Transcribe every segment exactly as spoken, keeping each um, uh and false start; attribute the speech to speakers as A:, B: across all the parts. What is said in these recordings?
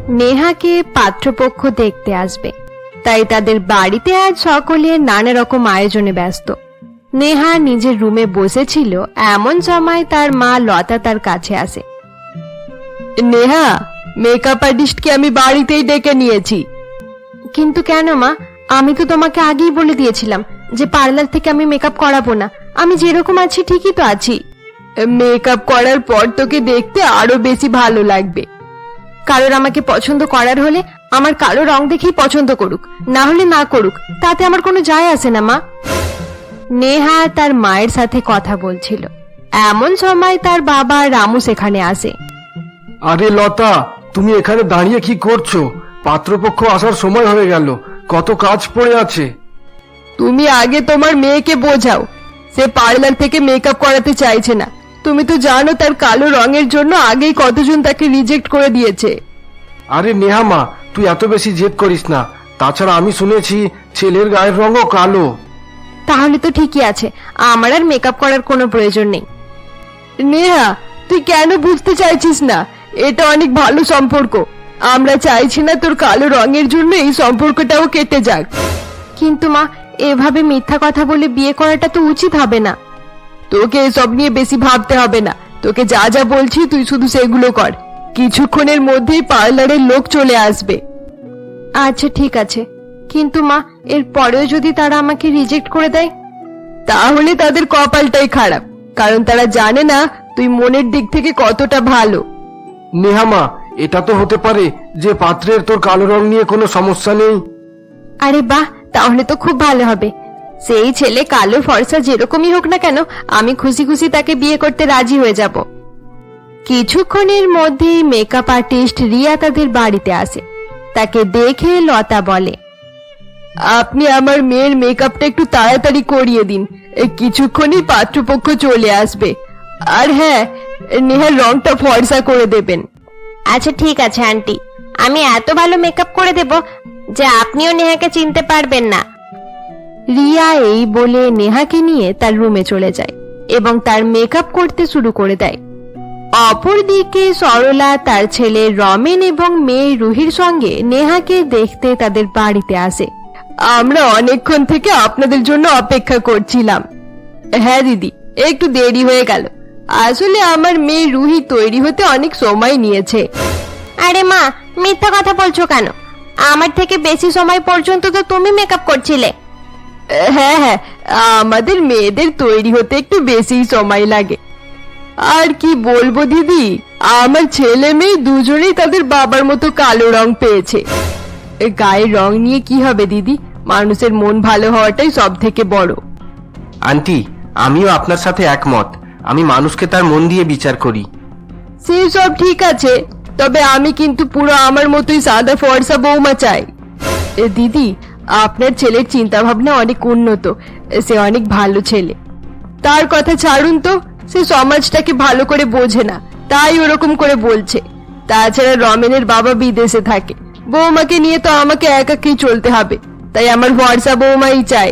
A: নেহাকে পাত্রপক্ষ দেখতে আসবে, তাই তাদের বাড়িতে আজ সকলে নানা রকম আয়োজনে ব্যস্ত। নেহা নিজের রুমে বসেছিল, এমন সময় তার মা লতা তার কাছে আসে।
B: নেহা, মেকআপ আর্টিস্টকে আমি বাড়িতেই ডেকে নিয়েছি।
A: কিন্তু কেন মা? আমি তো তোমাকে আগেই বলে দিয়েছিলাম যে পার্লার থেকে আমি মেকআপ করাবো না, আমি যেরকম আছি ঠিকই তো আছি।
B: মেকআপ করার পর তোকে দেখতে আরো বেশি ভালো লাগবে।
A: কারোর আমাকে পছন্দ করার হলে আমার কালো রং দেখেই পছন্দ করুক, না হলে না করুক, তাতে আমার কোনো যায় আসে না মা। নেহা তার মায়ের সাথে কথা বলছিল, এমন সময় তার বাবা রামু সেখানে আসে।
C: আরে লতা, তুমি এখানে দাঁড়িয়ে কি করছো? পাত্রপক্ষ আসার সময় হয়ে গেল, কত কাজ পড়ে আছে।
B: তুমি আগে তোমার মেয়েকে বোঝাও, সে পার্লার থেকে মেকআপ করাতে চাইছে না। তুমি তো জানো তার কালো রঙের জন্য আগেই কতজন তাকে রিজেক্ট করে দিয়েছে।
C: আরে নেহা মা, তুই এত বেশি জেদ করিস না। তাছাড়া আমি শুনেছি ছেলের গায়ের রঙও কালো।
A: তাহলে তো ঠিকই আছে, আমার আর মেকআপ করার কোনো প্রয়োজন নেই।
B: নেহা, তুই কেন বুঝতে চাইছিস না? এটা অনেক ভালো সম্পর্ক। আমরা চাইছি না তোর কালো রঙের জন্য এই সম্পর্কটাও কেটে যাক।
A: কিন্তু মা, এভাবে মিথ্যা কথা বলে বিয়ে করাটা তো উচিত হবে না।
B: তোকে এসব নিয়ে বেশি ভাবতে হবে না। তোকে যা যা বলছি তুই শুধু সেগুলো কর। কিছুক্ষণের মধ্যেই পার্লারের লোক চলে আসবে।
A: আচ্ছা ঠিক আছে, কিন্তু মা, এর পরেও যদি তারা আমাকে রিজেক্ট করে দেয়?
B: তাহলে তাদের কপালটাই খারাপ, কারণ তারা জানে না তুই মনের দিক থেকে কতটা ভালো।
C: নেহা মা, এটা তো হতে পারে যে পাত্রের তোর কালো রং নিয়ে কোনো সমস্যা নেই।
A: আরে বাহ, তাহলে তো খুব ভালো হবে। সেই ছেলে কালো ফর্সা যেরকমই হোক না কেন, আমি খুশি খুশি তাকে বিয়ে করতে রাজি হয়ে যাব। কিছুক্ষণের মধ্যেই মেকআপ আর্টিস্ট রিয়া তাদের বাড়িতে আসে। তাকে দেখে লতা বলে,
B: আপনি আমার মেয়ের মেকআপটা একটু তাড়াতাড়ি করিয়ে দিন, কিছুক্ষণই পাত্রপক্ষ চলে আসবে। আর হ্যাঁ, নেহার রংটা ফর্সা করে দেবেন।
A: আচ্ছা ঠিক আছে আন্টি, আমি এত ভালো মেকআপ করে দেব যে আপনিও নেহাকে চিনতে পারবেন না। রিয়া এই বলে নেহাকে নিয়ে তার রুমে চলে যায় এবং তার মেকআপ করতে শুরু করে দেয়। অপরদিকে সরলা তার ছেলে রমেন এবং মেয়ে রুহির সঙ্গে নেহাকে দেখতে তাদের বাড়িতে আসে।
B: আমরা অনেকক্ষণ থেকে আপনাদের জন্য অপেক্ষা করছিলাম। হ্যাঁ দিদি, একটু দেরি হয়ে গেল। আসলে আমার মেয়ে রুহি তৈরি হতে অনেক সময় নিয়েছে।
A: আরে মা, মিথ্যা কথা বলছো কেন? আমার থেকে বেশি সময় পর্যন্ত তো তুমি মেকআপ করছিলে।
B: হ্যাঁ হ্যাঁ, আমাদের মেয়েদের তৈরি হতে একটু বেশি সময় লাগে। আর কি বলবো দিদি, আমার ছেলে মেয়ে দুজনেই তাদের বাবার মতো কালো রং পেয়েছে। গায়ের রং নিয়ে কি হবে দিদি, মানুষের মন ভালো হওয়াটাই সব থেকে বড়।
D: আন্টি, আমিও আপনার সাথে একমত। আমি মানুষকে তার মন দিয়ে বিচার করি।
B: সেই সব ঠিক আছে, তবে আমি কিন্তু পুরো আমার মতোই সাদা ফর্সা বৌমা চাই। দিদি, আপনার ছেলের চিন্তা ভাবনা অনেক উন্নত, সে অনেক ভালো ছেলে। তার কথা ছাড়ুন তো, সে সমাজটাকে ভালো করে বোঝে না, তাই ওরকম করে বলছে। তাছাড়া রমেনের বাবা বিদেশে থাকে, বৌমাকে নিয়ে তো আমাকে একাকেই চলতে হবে, তাই আমার ভরসা বৌমাই চাই।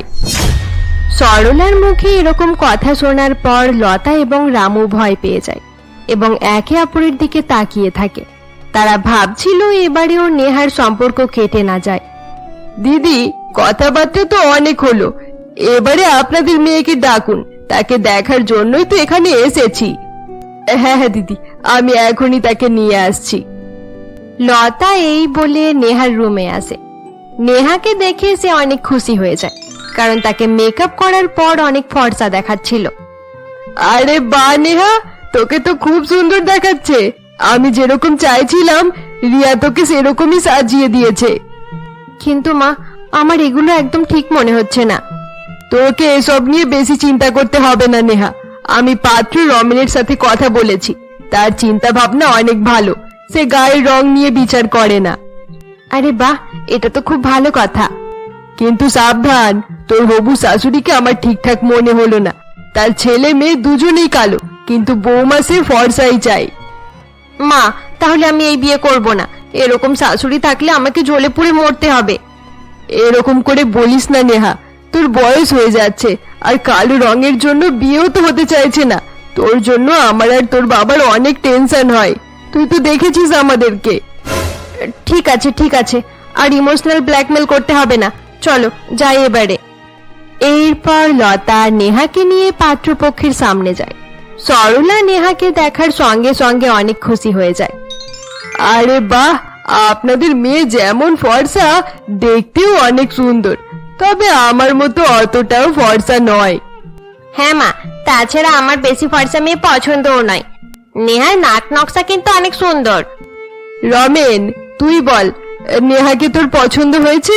A: সরলার মুখে এরকম কথা শোনার পর লতা এবং রামু ভয় পেয়ে যায় এবং একে অপরের দিকে তাকিয়ে থাকে। তারা ভাবছিল এবারেও নেহার সম্পর্ক কেটে না যায়।
B: দিদি, কথাবার্তা তো অনেক হলো, এবারে আপনাদের মেয়েকে ডাকুন, তাকে দেখার জন্যই তো এখানে এসেছি। হ্যাঁ হ্যাঁ দিদি, আমি এখনই তাকে নিয়ে আসছি।
A: লতা এই বলে নেহার রুমে আসে। নেহাকে দেখে সে অনেক খুশি হয়ে যায়, কারণ তাকে মেকআপ করার পর অনেক ফর্সা দেখাচ্ছিল।
B: আরে বাহ নেহা, তোকে তো খুব সুন্দর দেখাচ্ছে। আমি যেরকম চাইছিলাম রিয়া তোকে সেরকমই সাজিয়ে দিয়েছে।
A: কিন্তু মা, আমার এগুলো একদম ঠিক মনে হচ্ছে না।
B: তোকে এসব নিয়ে বেশি চিন্তা করতে হবে না নেহা। আমি পাত্র রমেনের সাথে কথা বলেছি, তার চিন্তা ভাবনা অনেক ভালো, সে গায়ের রং নিয়ে বিচার করে না।
A: আরে বাহ, এটা তো খুব ভালো কথা।
B: কিন্তু সাবধান, তোর হবু শাশুড়িকে আমার ঠিকঠাক মনে হলো না। তার ছেলে মেয়ে দুজনেই কালো, কিন্তু বৌমা সে ফর্সাই চাই।
A: মা, তাহলে আমি এই বিয়ে করব না। এরকম শাশুড়ি থাকলে আমাকে জ্বলে পুড়ে মরতে হবে।
B: এরকম করে বলিস না নেহা, তোর বয়স হয়ে যাচ্ছে, আর কালো রঙের জন্য বিয়েও তো হতে চাইছে না। তোর জন্য আমার আর তোর বাবার অনেক টেনশন হয়, তুই তো দেখেছিস আমাদেরকে। ঠিক আছে ঠিক আছে, আর ইমোশনাল ব্ল্যাকমেল করতে হবে না, চলো যাই এবারে।
A: এরপর লতা নেহাকে নিয়ে পাত্রপক্ষের সামনে যায়। সরলা নেহাকে দেখার সঙ্গে সঙ্গে অনেক খুশি হয়ে যায়।
B: আরে বাহ, আপনাদের মেয়ে যেমন ফর্সা, দেখতেও অনেক সুন্দর, তবে আমার মতো অতটাও ফর্সা নয়।
A: হ্যাঁ মা, তাছাড়া আমার বেশি ফর্সা মেয়ে পছন্দও নয়। নেহার নাক নকশা কিন্তু অনেক সুন্দর।
B: রমেন, তুই বল, নেহাকে তোর পছন্দ হয়েছে?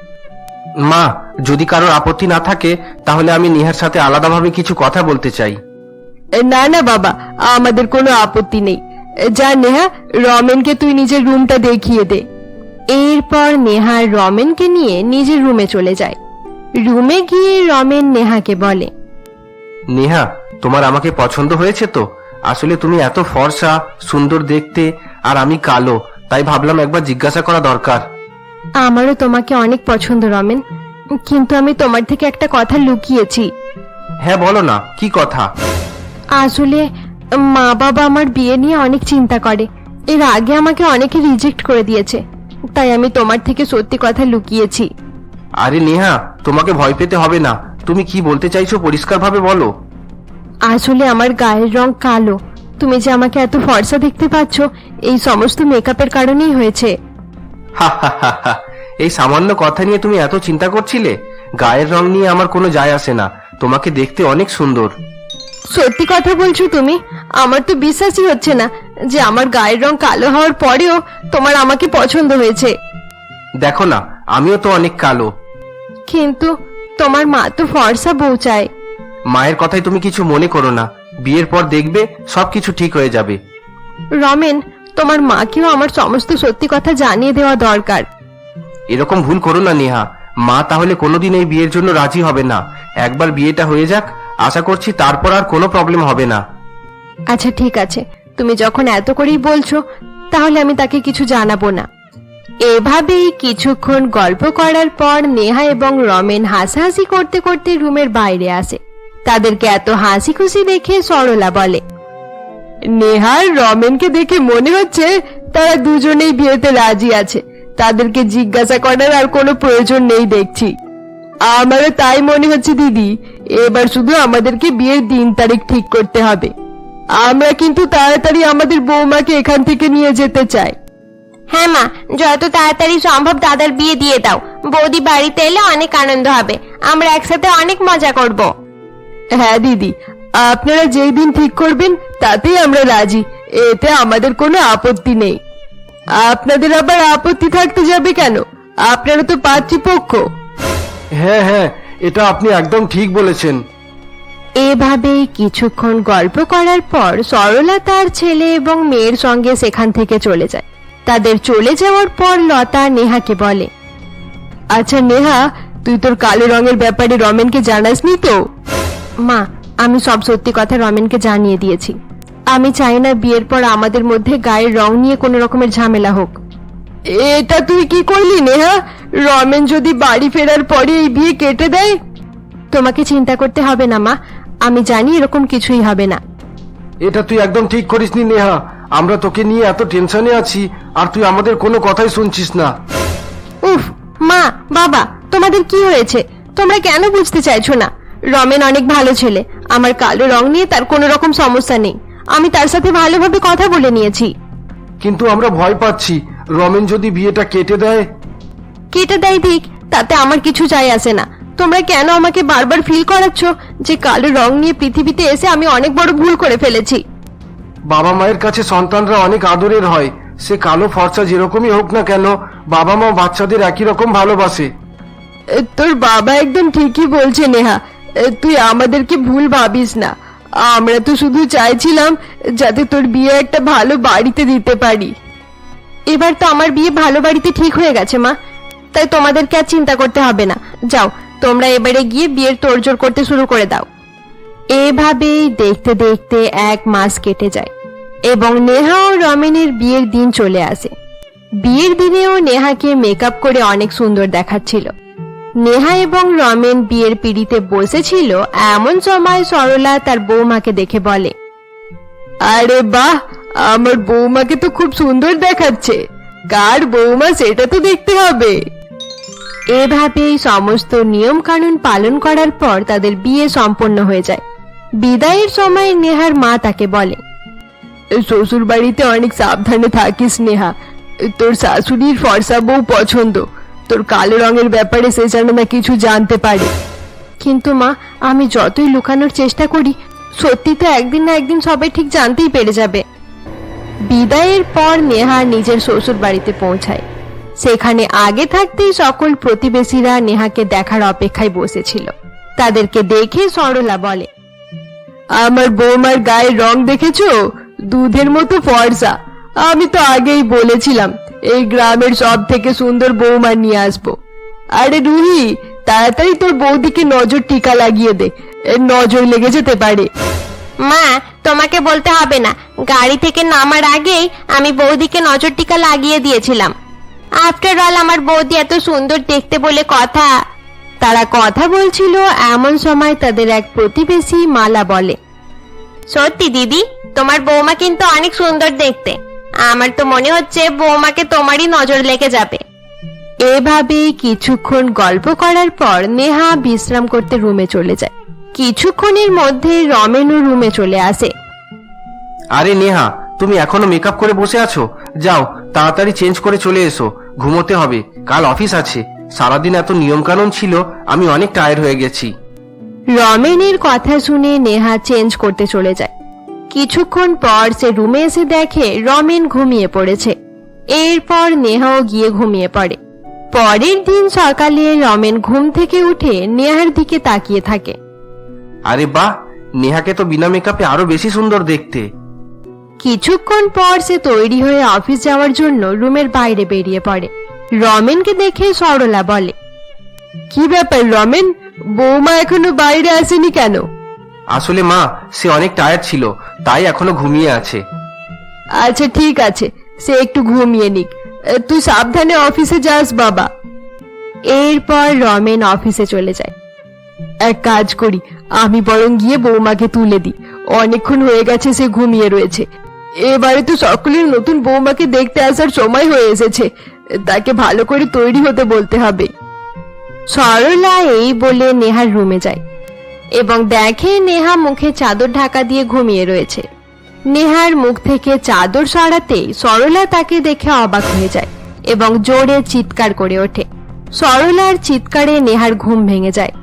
D: মা, যদি কারোর আপত্তি না থাকে তাহলে আমি নেহার সাথে আলাদাভাবে কিছু কথা বলতে চাই।
B: না না বাবা, আমাদের কোনো আপত্তি নেই। যা নেহা, রমেনকে তুই নিজের রুমটা দেখিয়ে দে।
A: এরপর নেহা রমেনকে নিয়ে নিজের রুমে চলে যায়। রুমে গিয়ে রমেন নেহাকে বলে,
D: নেহা, তোমার আমাকে পছন্দ হয়েছে তো? আসলে তুমি এত ফর্সা, সুন্দর দেখতে, আর আমি কালো, তাই ভাবলাম একবার জিজ্ঞাসা করা দরকার।
A: আমারও তোমাকে অনেক পছন্দ রমেন, কিন্তু আমি তোমার থেকে একটা কথা লুকিয়েছি।
D: হ্যাঁ বলো না, কি কথা?
A: আসলে মা বাবা আমার বিয়ে নিয়ে অনেক চিন্তা করে। এর আগে আমাকে অনেকে রিজেক্ট করে দিয়েছে, তাই আমি তোমার থেকে সত্যি কথা লুকিয়েছি।
D: আরে নেহা, তোমাকে ভয় পেতে হবে না। তুমি কি বলতে চাইছো পরিষ্কারভাবে বলো।
A: আসলে আমার গায়ের রং কালো। তুমি যে আমাকে এত ফর্সা দেখতে পাচ্ছ, এই সমস্ত মেকআপের কারণেই হয়েছে।
D: হা হা হা হা, এই সামান্য কথা নিয়ে তুমি এত চিন্তা করছিলে? গায়ের রং নিয়ে আমার কোনো যায় আসে না, তোমাকে দেখতে অনেক সুন্দর।
A: সত্যি কথা বলছো তুমি? আমার তো বিশ্বাসই হচ্ছে না যে আমার গায়ের রং কালো হওয়ার পরেও তোমার আমাকে পছন্দ হয়েছে।
D: দেখো না, আমিও তো অনেক কালো।
A: কিন্তু তোমার মা তো ফর্সা বউ চায়।
D: মায়ের কথায় তুমি কিছু মনে করো না, বিয়ের পর দেখবে সবকিছু ঠিক হয়ে যাবে।
A: রমেন, তোমার মাকেও আমার সমস্ত সত্যি কথা জানিয়ে দেওয়া দরকার।
D: এরকম ভুল করো না নেহা, মা তাহলে কোনোদিন এই বিয়ের জন্য রাজি হবে না। একবার বিয়েটা হয়ে যাক, আশা করছি তারপর আর কোনো প্রবলেম হবে না।
A: আচ্ছা ঠিক আছে, তুমি যখন এত করেই বলছো তাহলে আমি তাকে কিছু জানাবো না। এভাবেই কিছুক্ষণ গল্প করার পর নেহা এবং রমেন হাসাহাসি করতে করতে রুমের বাইরে আসে। তাদেরকে এত হাসি খুশি দেখে সরলা বলে,
B: নেহার রমেনকে দেখে মনে হচ্ছে তারা দুজনেই বিয়েতে রাজি আছে। তাদেরকে জিজ্ঞাসা করার আর কোনো প্রয়োজন নেই দেখছি। আমারও তাই মনে হচ্ছে দিদি, এবার শুধু আমাদেরকে বিয়ের দিন তারিখ ঠিক করতে হবে। আমরা কিন্তু তাড়াতাড়ি আমাদের বৌমাকে এখান থেকে নিয়ে যেতে চাই।
A: হ্যাঁ মা, যত তাড়াতাড়ি সম্ভব দাদার বিয়ে দিয়ে দাও। বৌদি বাড়িতে এলে অনেক আনন্দ হবে, আমরা একসাথে অনেক মজা করব।
B: হ্যাঁ দিদি, আপনারা যেই দিন ঠিক করবেন তাতেই আমরা রাজি, এতে আমাদের কোনো আপত্তি নেই। আপনাদের আবার আপত্তি থাকতে যাবে কেন? আপনারা তো পাত্রীপক্ষ।
C: হ্যাঁ হ্যাঁ, এটা আপনি একদম ঠিক বলেছেন।
A: এভাবেই কিছুক্ষণ গল্প করার পর সরলা তার ছেলে এবং মেয়ের সঙ্গে সেখান থেকে চলে যায়। তাদের চলে যাওয়ার পর লতা নেহাকে বলে,
B: আচ্ছা নেহা, তুই তোর কালো রঙের ব্যাপারে রমেনকে জানাসনি তো?
A: মা, আমি সব সত্যি কথা রমেনকে জানিয়ে দিয়েছি। আমি চাই না বিয়ের পর আমাদের মধ্যে গায়ের রং নিয়ে কোনো রকমের ঝামেলা হোক।
B: এটা তুই কি করলি নেহা? রমেন যদি বাড়ি ফেরার পরে এই বিয়ে কেটে দেয়?
A: তোমাকে চিন্তা করতে হবে না মা, আমি জানি এরকম কিছুই হবে না।
C: এটা তুই একদম ঠিক করিসনি নেহা। আমরা তোকে নিয়ে এত টেনশনে আছি, আর তুই আমাদের কোনো কথাই শুনছিস না।
A: উফ মা, বাবা, তোমাদের কি হয়েছে? তোমরা কেন বুঝতে চাইছো না? রমেন অনেক ভালো ছেলে, আমার কালো রং নিয়ে তার কোনো রকম সমস্যা নেই। আমি তার সাথে ভালোভাবে কথা বলে নিয়েছি।
C: কিন্তু আমরা ভয় পাচ্ছি, রমেন যদি বিয়েটা কেটে দেয়।
A: কেটে দেয় দিক, তাতে আমার কিছু যায় আসে না। তোমরা কেন আমাকে বারবার ফিল করাচ্ছ যে কালো রং নিয়ে পৃথিবীতে এসে আমি অনেক বড় ভুল করে ফেলেছি?
C: বাবা মায়ের কাছে সন্তানরা অনেক আদরের হয়। সে কালো ফর্সা যেরকমই হোক না কেন, বাবা মা বাচ্চাদের একই রকম ভালোবাসে।
B: এ, তোর বাবা একদম ঠিকই বলছে নেহা, এ, তুই আমাদেরকে ভুল ভাবিস না। আমরা তো শুধু চাইছিলাম যাতে তোর বিয়ে একটা ভালো বাড়িতে দিতে পারি।
A: এবার তো আমার বিয়ে ভালো বাড়িতে ঠিক হয়ে গেছে মা, তাই তোমাদেরকে আর চিন্তা করতে হবে না। যাও, তোমরা এবারে গিয়ে বিয়ের তোড়জোড় করতে শুরু করে দাও। এভাবেই দেখতে দেখতে এক মাস কেটে যায় এবং নেহা ও রমেনের বিয়ের দিন চলে আসে। বিয়ের দিনেও নেহাকে মেকআপ করে অনেক সুন্দর দেখাচ্ছিল। নেহা এবং রমেন বিয়ের পিঁড়িতে বসেছিল, এমন সময় সরলা তার বৌমাকে দেখে বলে,
B: আরে বাহ, আমার বৌমাকে তো খুব সুন্দর দেখাচ্ছে। কার বৌমা সেটা তো দেখতে হবে।
A: এভাবেই সমস্ত নিয়ম কানুন পালন করার পর তাদের বিয়ে সম্পন্ন হয়ে যায়। বিদায়ের সময় নেহার মা তাকে বলে,
B: শ্বশুর বাড়িতে অনেক সাবধানে থাকিস নেহা। তোর শাশুড়ির ফর্সা বউ পছন্দ, তোর কালো রঙের ব্যাপারে সে যেন না কিছু জানতে পারে।
A: কিন্তু মা, আমি যতই লুকানোর চেষ্টা করি, সত্যি তো একদিন না একদিন সবাই ঠিক জানতেই পেরে যাবে। বিদায়ের পর নেহা নিজের শ্বশুর বাড়িতে পৌঁছায়। সেখানে আগে থাকতেই সকল প্রতিবেশীরা নেহাকে দেখার অপেক্ষায় বসেছিল। তাদেরকে দেখে সরলা বলে,
B: আমার বৌমার গায়ের রং দেখেছো? দুধের মতো ফর্সা। আমি তো আগেই বলেছিলাম এই গ্রামের সব থেকে সুন্দর বৌমা নিয়ে আসবো। আরে রুহি, তাড়াতাড়ি তোর বৌদিকে নজর টিকা লাগিয়ে দে, এর নজর লেগে যেতে পারে।
A: মা, তোমাকে বলতে হবে না, গাড়ি থেকে নামার আগেই আমি বৌদিকে নজর টিকা লাগিয়ে দিয়েছিলাম। আফটার অল আমার বৌদি এত সুন্দর দেখতে বলে কথা। তারা কথা বলছিল, এমন সময় তাদের এক প্রতিবেশী মালা বলে, সত্যি দিদি, তোমার বৌমা কিন্তু অনেক সুন্দর দেখতে। আমার তো মনে হচ্ছে বৌমাকে তোমারই নজর লেগে যাবে। এভাবেই কিছুক্ষণ গল্প করার পর নেহা বিশ্রাম করতে রুমে চলে যায়। কিছুক্ষণের মধ্যে রমেনও রুমে চলে আসে।
D: আরে নেহা, তুমি এখনো মেকআপ করে বসে আছো? যাও তাড়াতাড়ি চেঞ্জ করে চলে এসো, ঘুমোতে হবে, কাল অফিস আছে। সারাদিন এত নিয়ম কানুন ছিল, আমি অনেক টায়ার্ড হয়ে গেছি।
A: রমেনের কথা শুনে নেহা চেঞ্জ করতে চলে যায়। কিছুক্ষণ পর সে রুমে এসে দেখে রমেন ঘুমিয়ে পড়েছে। এরপর নেহাও গিয়ে ঘুমিয়ে পড়ে। পরের দিন সকালে রমেন ঘুম থেকে উঠে নেহার দিকে তাকিয়ে থাকে।
D: আরে বাহ, নেহাকে তো বিনা মেকআপে আরো বেশি সুন্দর দেখতে।
A: কিছুক্ষণ পর সে তৈরি হয়ে অফিস যাওয়ার জন্য রুমের বাইরে বেরিয়ে পড়ে। রমেনকে দেখে সরলা বলে,
B: কি ব্যাপার রমেন, বৌমা এখনো বাইরে আসেনি কেন?
D: আসলে মা, সে অনেক টায়ার্ড ছিল, তাই এখনো ঘুমিয়ে আছে।
B: আচ্ছা ঠিক আছে, সে একটু ঘুমিয়ে নিক। তুই সাবধানে অফিসে যাস বাবা।
A: এরপর রমেন অফিসে চলে যায়।
B: এক কাজ করি, আমি বরং গিয়ে বৌমাকে তুলে দিই। অনেকক্ষণ হয়ে গেছে সে ঘুমিয়ে রয়েছে। এবারে তো সকলের নতুন বৌমাকে দেখতে আসার সময় হয়ে এসেছে, তাকে ভালো করে তৈরি হতে বলতে হবে।
A: সরলা এই বলে নেহার রুমে যায় এবং দেখে নেহা মুখে চাদর ঢাকা দিয়ে ঘুমিয়ে রয়েছে। নেহার মুখ থেকে চাদর সরাতেই সরলা তাকে দেখে অবাক হয়ে যায় এবং জোরে চিৎকার করে ওঠে। সরলার চিৎকারে নেহার ঘুম ভেঙে যায়।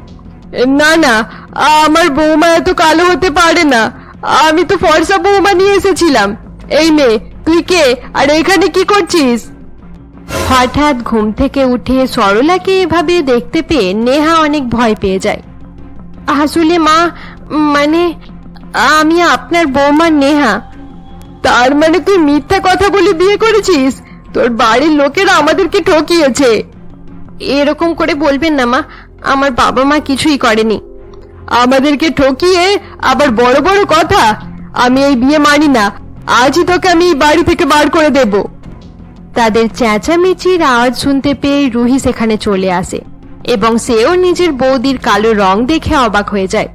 B: না না, আমার বৌমা এত কালো হতে পারে না। আমি তো ফর্সা বৌমা নিয়ে এসেছিলাম। এই মেয়ে, তুই কে আর এখানে কি করছিস?
A: হঠাৎ ঘুম থেকে উঠে সরলাকে এভাবে দেখতে পেয়ে নেহা অনেক ভয় পেয়ে যায়। আসলে মা, মানে আমি আপনার বৌমা নেহা।
B: তার মানে তুই মিথ্যা কথা বলে বিয়ে করেছিস? তোর বাড়ির লোকেরা আমাদেরকে ঠকিয়েছে।
A: এরকম করে বলবেন না মা, আমার বাবা মা কিছুই করেনি।
B: আমাদেরকে ঠকিয়ে আবার বড় বড় কথা? আমি এই বিয়ে মানি না। আজই তোকে আমি এই বাড়ি থেকে বার করে দেব।
A: তাদের চেঁচামেচির আওয়াজ শুনতে পেয়ে রুহি সেখানে চলে আসে এবং সেও নিজের বৌদির কালো রং দেখে অবাক হয়ে যায়।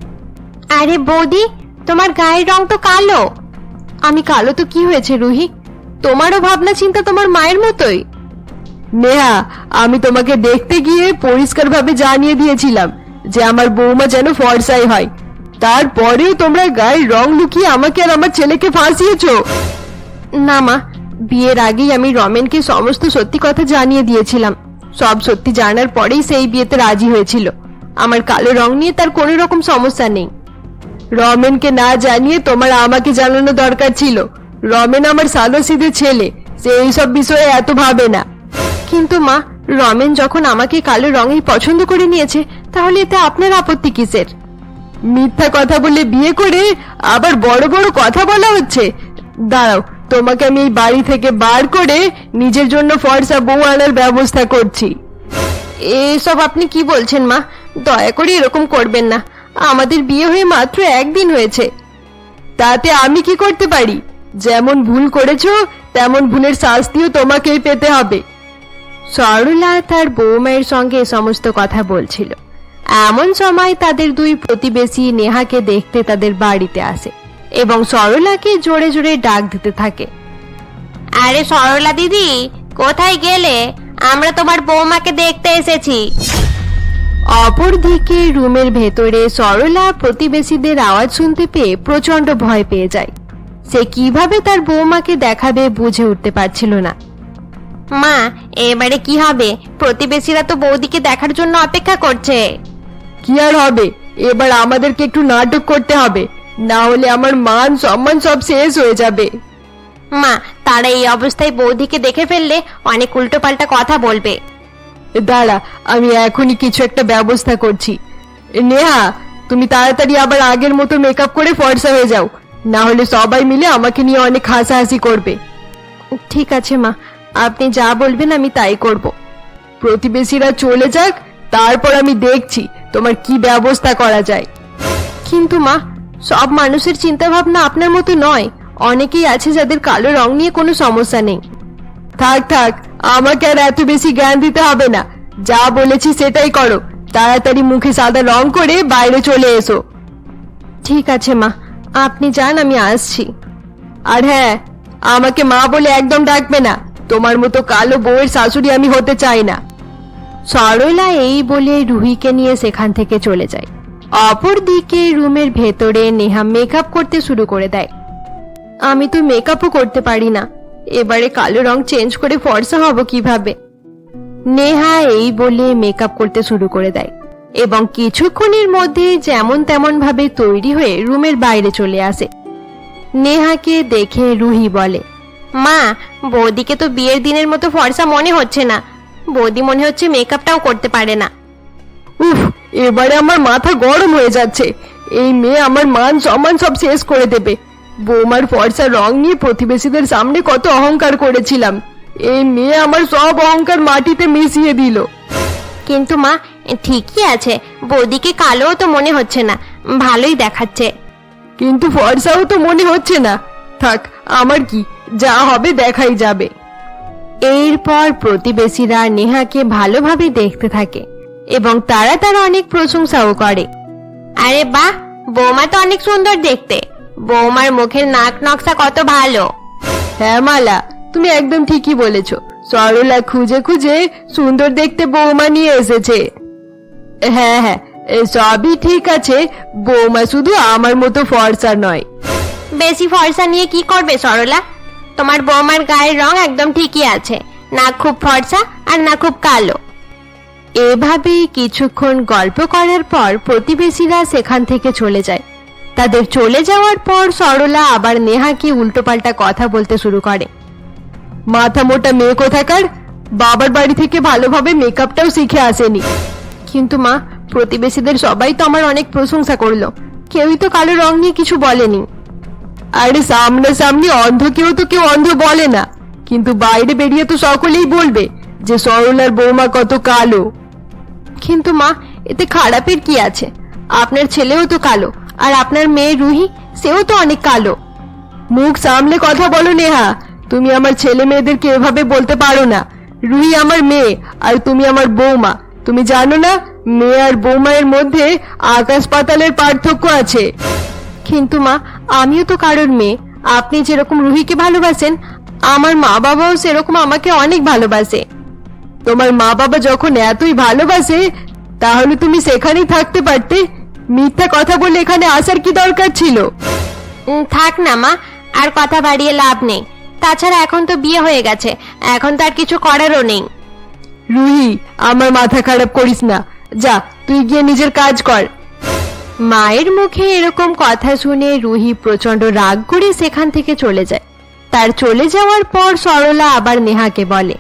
A: আরে বৌদি, তোমার গায়ের রং তো কালো। আমি কালো তো কি হয়েছে রুহি? তোমারও ভাবনা চিন্তা তোমার মায়ের মতোই।
B: নেহা, আমি তোমাকে দেখতে গিয়ে পরিষ্কারভাবে জানিয়ে দিয়েছিলাম যে আমার বৌমা যেন ফর্সাই হয়। তারপরেও তোমরা গায়ের রং লুকিয়ে আমাকে আর আমার ছেলেকে ফাঁসিয়েছো।
A: না মা, বিয়ের আগেই আমি রমেনকে সমস্ত সত্যি কথা জানিয়ে দিয়েছিলাম। সব সত্যি জানার পরেই সেই বিয়েতে রাজি হয়েছিল। আমার কালো রং নিয়ে তার কোনো রকম সমস্যা নেই।
B: রমেনকে না জানিয়ে তোমার আমাকে জানানো দরকার ছিল। রমেন আমার সাদাসিধে ছেলে, সে এইসব বিষয়ে এত ভাবে না।
A: কিন্তু মা, রমেন যখন আমাকে কালো রঙেই পছন্দ করে নিয়েছে, তাহলে এতে আপনার আপত্তি কিসের?
B: মিথ্যা কথা বলে বিয়ে করে আবার বড় বড় কথা বলা হচ্ছে। দাঁড়াও, তোমাকে আমি এই বাড়ি থেকে বার করে নিজের জন্য ফর্সা বউ আনার ব্যবস্থা করছি।
A: এসব আপনি কি বলছেন মা? দয়া করে এরকম করবেন না। আমাদের বিয়ে হয়ে মাত্র একদিন হয়েছে।
B: তাতে আমি কি করতে পারি? যেমন ভুল করেছো তেমন ভুলের শাস্তিও তোমাকেই পেতে হবে।
A: সরলা তার বৌমায়ের সঙ্গে সমস্ত কথা বলছিল। এমন সময় তাদের দুই প্রতিবেশী নেহাকে দেখতে তাদের বাড়িতে আসে এবং সরলাকে জোরে জোরে ডাক দিতে থাকে। আরে সরলা দিদি, কোথায় গেলে? আমরা তোমার বৌমাকে দেখতে এসেছি। অপরদিকে রুমের ভেতরে সরলা প্রতিবেশীদের আওয়াজ শুনতে পেয়ে প্রচন্ড ভয় পেয়ে যায়। সে কিভাবে তার বৌমাকে দেখাবে বুঝে উঠতে পারছিল না। মা, এবারে কি হবে? প্রতিবেশীরা তো বৌদিকে দেখার জন্য অপেক্ষা করছে।
B: কি আর হবে, এবার আমাদেরকে একটু নাটক করতে হবে, না হলে আমার মান সম্মান সব শেষ হয়ে যাবে।
A: মা, তারা এই অবস্থায় বৌদিকে দেখে ফেললে অনেক উল্টোপাল্টা কথা বলবে।
B: দাঁড়া, আমি এখনই কিছু একটা ব্যবস্থা করছি। নেহা, তুমি তাড়াতাড়ি আবার আগের মতো মেকআপ করে ফর্সা হয়ে যাও, না হলে সবাই মিলে আমাকে নিয়ে অনেক হাসাহাসি করবে।
A: ঠিক আছে মা, আপনি যা বলবেন আমি তাই করব।
B: প্রতিবেশীরা চলে যাক, তারপর আমি দেখছি তোমার কি ব্যবস্থা করা যায়।
A: কিন্তু মা, সব মানুষের চিন্তা ভাবনা আপনার মতো নয়। অনেকেই আছে যাদের কালো রং নিয়ে কোনো সমস্যা নেই।
B: থাক থাক, আমাকে আর এত বেশি জ্ঞান দিতে হবে না। যা বলেছি সেটাই করো। তাড়াতাড়ি মুখে সাদা রং করে বাইরে চলে এসো।
A: ঠিক আছে মা, আপনি যান, আমি আসছি।
B: আর হ্যাঁ, আমাকে মা বলে একদম ডাকবে না। তোমার মতো কালো বউয়ের শাশুড়ি আমি হতে চাই না।
A: সরলা এই বলে রুহিকে নিয়ে সেখান থেকে চলে যায়। অপরদিকে রুমের ভেতরে নেহা মেকআপ করতে শুরু করে দেয়। আমি তো মেকআপও করতে পারি না, এবারে কালো রং চেঞ্জ করে ফর্সা হব কিভাবে? নেহা এই বলে মেকআপ করতে শুরু করে দেয় এবং কিছুক্ষণের মধ্যে যেমন তেমন ভাবে তৈরি হয়ে রুমের বাইরে চলে আসে। নেহাকে দেখে রুহি বলে, মা, বৌদিকে তো বিয়ের দিনের মতো ফর্সা মনে হচ্ছে না। বৌদি মনে হচ্ছে মেকআপটাও করতে পারে না।
B: উফ, এবারে আমার মাথা গরম হয়ে যাচ্ছে। এই মেয়ে আমার মান সম্মান সব শেষ করে দেবে। বৌমার ফর্সা রং নিয়ে প্রতিবেশীদের সামনে কত অহংকার করেছিলাম, এই মেয়ে আমার সব অহংকার মাটিতে মিশিয়ে দিল।
A: কিন্তু মা, ঠিকই আছে, বৌদিকে কালোও তো মনে হচ্ছে না, ভালোই দেখাচ্ছে।
B: কিন্তু ফর্সাও তো মনে হচ্ছে না। থাক, আমার কি, যা হবে দেখাই যাবে।
A: এরপর প্রতিবেশীরা নেহাকে ভালোভাবে দেখতে থাকে এবং তারা তার অনেক প্রশংসাও করে। আরে বাহ, বৌমা তো অনেক সুন্দর দেখতে। বৌমার মুখের নাক নকশা কত ভালো।
B: হ্যাঁ মালা, তুমি একদম ঠিকই বলেছ। সরলা খুঁজে খুঁজে সুন্দর দেখতে বৌমা নিয়ে এসেছে। হ্যাঁ হ্যাঁ, এ সবই ঠিক আছে, বৌমা শুধু আমার মতো ফর্সা নয়।
A: বেশি ফর্সা নিয়ে কি করবে সরলা? তোমার বৌমার গায়ের রং একদম ঠিকই আছে, না খুব ফর্সা আর না খুব কালো। এভাবে কিছুক্ষণ গল্প করার পর প্রতিবেশীরা সেখান থেকে চলে যায়। তাদের চলে যাওয়ার পর সরলা আবার নেহাকে উল্টোপাল্টা কথা বলতে শুরু করে।
B: মাথা মোটা মেয়ে কোথাকার, বাবার বাড়ি থেকে ভালোভাবে মেকআপটাও শিখে আসেনি।
A: কিন্তু মা, প্রতিবেশীদের সবাই তো আমার অনেক প্রশংসা করলো, কেউই তো কালো রং নিয়ে কিছু বলেনি।
B: আরে সামনাসামনি অন্ধ কেউ তো কেউ অন্ধ বলে না, কিন্তু বাইরে বেরিয়ে তো সকলেই বলবে যে সরলার বৌমা কত কালো।
A: কিন্তু মা, এতে খারাপের কি আছে? আপনার ছেলেও তো কালো, আর আপনার মেয়ে রুহি, সেও তো অনেক কালো।
B: মুখ সামলে কথা বলো নেহা, তুমি আমার ছেলে মেয়েদেরকে এভাবে বলতে পারো না। রুহি আমার মেয়ে আর তুমি আমার বৌমা। তুমি জানো না, মেয়ে আর বৌমায়ের মধ্যে আকাশ পাতালের পার্থক্য আছে।
A: কিন্তু মা, আমিও তো কারোর মেয়ে। আপনি যেরকম রুহিকে ভালোবাসেন, আমার মা বাবাও সেরকম আমাকে অনেক ভালোবাসে।
B: তোমার মা বাবা যখন এতই ভালোবাসে, তাহলে তুমি সেখানেই থাকতে পারতে। মিথ্যা কথা বলে এখানে আসার কি দরকার ছিল?
A: উম, থাক না মা, আর কথা বাড়িয়ে লাভ নেই। তাছাড়া এখন তো বিয়ে হয়ে গেছে, এখন তার কিছু করারও নেই।
B: রুহি, আমার মাথা খারাপ করিস না, যা তুই গিয়ে নিজের কাজ কর।
A: মায়ের মুখে এরকম কথা শুনে রুহি প্রচন্ড রাগ করে সেখান থেকে চলে যায়। তার চলে যাওয়ার পর সরলা আবার নেহাকে বলে,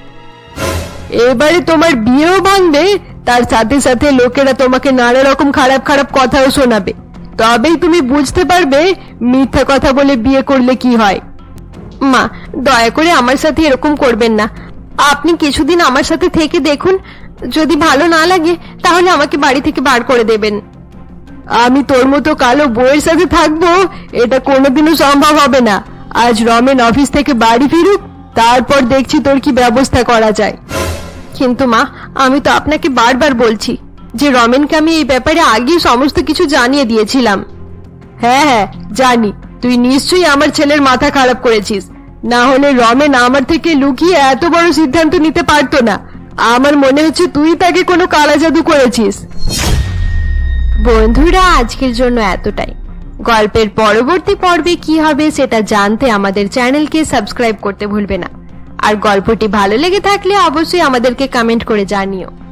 B: এবারে তোমার বিয়েও ভাঙবে, তার সাথে সাথে লোকেরা তোমাকে নানা রকম খারাপ খারাপ কথাও শোনাবে। তবেই তুমি বুঝতে পারবে মিথ্যা কথা বলে বিয়ে করলে কি হয়।
A: মা, দয়া করে আমার সাথে এরকম করবেন না। আপনি কিছুদিন আমার সাথে থেকে দেখুন, যদি ভালো না লাগে তাহলে আমাকে বাড়ি থেকে বার করে দেবেন।
B: আমি তোর মতো কালো বউয়ের সাথে থাকবো, এটা কোনোদিনও সম্ভব হবে না। আজ রমেন অফিস থেকে বাড়ি ফিরুক, তারপর দেখছি তোর কি ব্যবস্থা করা যায়।
A: কিন্তু মা, আমি তো আপনাকে বারবার বলছি যে রমেনকে আমি এই ব্যাপারে আগেই সমস্ত কিছু জানিয়ে দিয়েছিলাম।
B: হ্যাঁ হ্যাঁ জানি, তুই নিশ্চয়ই আমার ছেলের মাথা খারাপ করেছিস। না হলে রমেন আমার থেকে লুকিয়ে এত বড় সিদ্ধান্ত নিতে পারতো না। আমার মনে হচ্ছে তুই তাকে কোনো কালা জাদু করেছিস।
A: বন্ধুরা, আজকের জন্য এতটাই। গল্পের পরবর্তী পর্বে কি হবে সেটা জানতে আমাদের চ্যানেলকে সাবস্ক্রাইব করতে ভুলবে না। আর গল্পটি ভালো লেগে থাকলে অবশ্যই আমাদেরকে কমেন্ট করে জানিও।